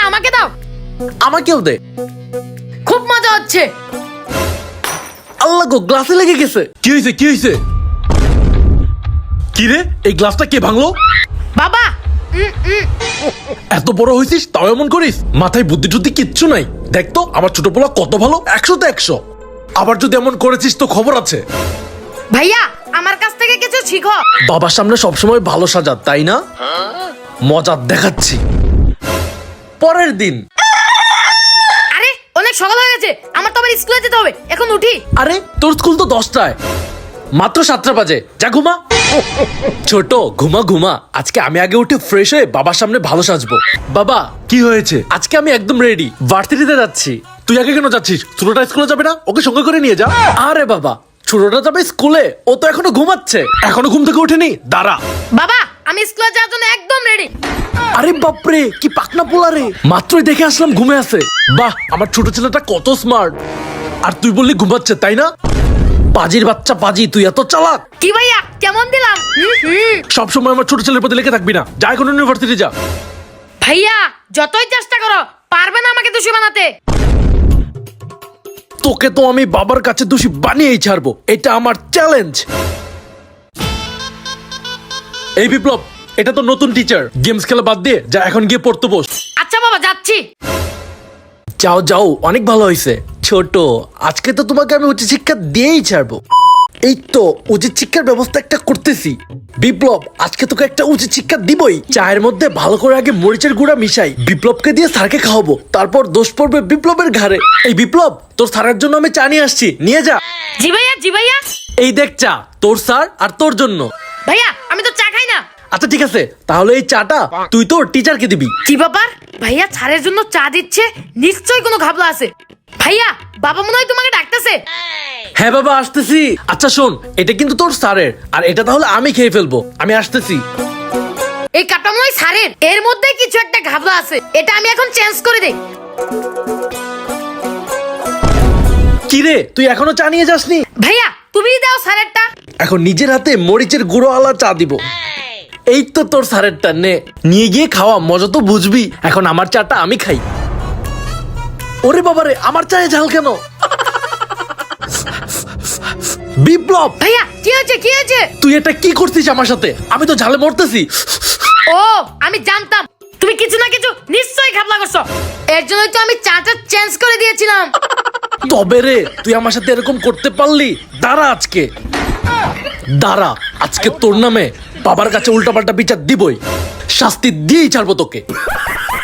আমাকে দাও। আমাকেও দে। খুব মজা হচ্ছে। আল্লাহ গো, গ্লাসে লেগে গেছে। কি হয়েছে কি হয়েছে? কি রে, এই গ্লাসটা কে ভাঙলো? বাবা এত বড় হয়েছিস তাও এমন করিস? মাথায় বুদ্ধি টুদ্ধি কিচ্ছু নাই। দেখ তো আমার ছোট পোলা কত ভালো, 100-তে 100। আবার যদি এমন করেছিস তো খবর আছে। ভাইয়া আমার কাছ থেকে কিছু শিখো। বাবার সামনে সবসময় ভালো সাজা, তাই না? মজা দেখাচ্ছি। পরের দিন। আরে অনেক সকাল হয়ে গেছে, আমার তো আবার স্কুলে যেতে হবে, এখন উঠি। আরে তোর স্কুল তো 10টায়, মাত্র 7টা বাজে। যা ঘুমা। ছোট ঘুমা ঘুমা। আজকে আমি আগে উঠে ফ্রেশ হয়ে বাবার সামনে ভালো সাজবো। বাবা কি হয়েছে? আজকে আমি একদম রেডি, ভার্সিটিতে যাচ্ছি। তুই আগে কেন যাচ্ছিস? ছোটটা স্কুলে যাবে না? ওকে সঙ্গে করে নিয়ে যা। আরে বাবা, ছোটটা যাবে স্কুলে, ও তো এখনো ঘুমাচ্ছে। এখনো ঘুম থেকে ওঠেনি? দাঁড়া। বাবা আমি স্কুলে যাওয়ার জন্য একদম রেডি। আরে বাপরে, কি পাকনা পোলা রে, মাত্রই দেখে আসলাম ঘুমে আছে। বাহ, আমার ছোট ছেলেটা কত স্মার্ট। আর তুই বললি ঘুমাচ্ছে, তাই না? পাজির বাচ্চা পাজি, তুই এত চালাক। কি ভাইয়া কেমন দিলাম? সবসময় আমার ছোট ছেলের প্রতি লেগে থাকবি না, যা এখন ইউনিভার্সিটি যা। ভাইয়া যতই চেষ্টা করো পারবে না আমাকে দোষী বানাতে। তোকে তো আমি বাবার কাছে দোষী বানিয়েই ছাড়বো, এটা আমার চ্যালেঞ্জ। এই বিপ্লব, এটা তো নতুন টিচার। গেমস খেলা বাদ দিয়ে যা এখন গিয়ে পড়তে বস। আচ্ছা বাবা যাচ্ছি। যাও যাও, অনেক ভালো হয়েছে। ছোট, আজকে তো তোমাকে আমি উচ্চ শিক্ষা দিয়েই ছাড়বো। এই তো উচিত শিক্ষার ব্যবস্থা একটা করতেছি। বিপ্লব, আজকে তোকে একটা উচিত শিক্ষা দিবই। চায়ের মধ্যে ভালো করে আগে মরিচের গুঁড়া মিশাই, বিপ্লবকে দিয়ে স্যারকে খাওয়াবো, তারপর দোষ পড়বে বিপ্লবের ঘাড়ে। এই বিপ্লব, তোর স্যারের জন্য আমি চা নিয়ে আসছি, নিয়ে যা। জি ভাইয়া জি ভাইয়া। এই দেখ চা, তোর স্যার আর তোর জন্য। ভাইয়া আমি তো চা খাই না। আচ্ছা ঠিক আছে, তাহলে এই চাটা তুই তোর টিচারকে দিবি। কি ব্যাপার, ভাইয়া ছাড়ের জন্য চা দিচ্ছে? নিশ্চয়ই কোনো ঘাবলা আছে। ভাইয়া বাবা মনে হয় তোমাকে ডাকতেছে। হ্যাঁ বাবা, আসতেছি। আচ্ছা শোন, এটা কিন্তু তোর স্যারের, আর এটা তাহলে আমি খেয়ে ফেলবো। আমি আসতেছি। এই কাপটা মনে হয় ছাড়ের, এর মধ্যে কিছু একটা ঘাবলা আছে। এটা আমি এখন চেঞ্জ করে দেই। কি রে, তুই এখনো চা নিয়ে যাসনি? ভাইয়া তুমি দাও ছাড়েরটা। এখন নিজের হাতে মরিচের গুঁড়ো আলা চা দিব। এই তো তোর স্যারেরটা, নে, নিয়ে গিয়ে খাওয়া, মজা তো বুঝবি। এখন আমার চাটা আমি খাই। ওরে বাবারে, আমার চায়ে ঝাল কেন? বিপ্লব, ভাইয়া কি হয়েছে কি হয়েছে? তুই এটা কি করছিস আমার সাথে? আমি তো ঝালে মরতেছি। ও আমি জানতাম তুমি কিছু না কিছু নিশ্চয়ই ঘাবলা করছো, এর জন্যই তো আমি চাটা চেঞ্জ করে দিয়েছিলাম। তবে রে, তুই আমার সাথে এরকম করতে পারলি? দাঁড়া আজকে, দাঁড়া, আজকে তোর নামে বাবার কাছে উল্টাপাল্টা বিচার দিবই, শাস্তি দিয়েই ছাড়বো তোকে।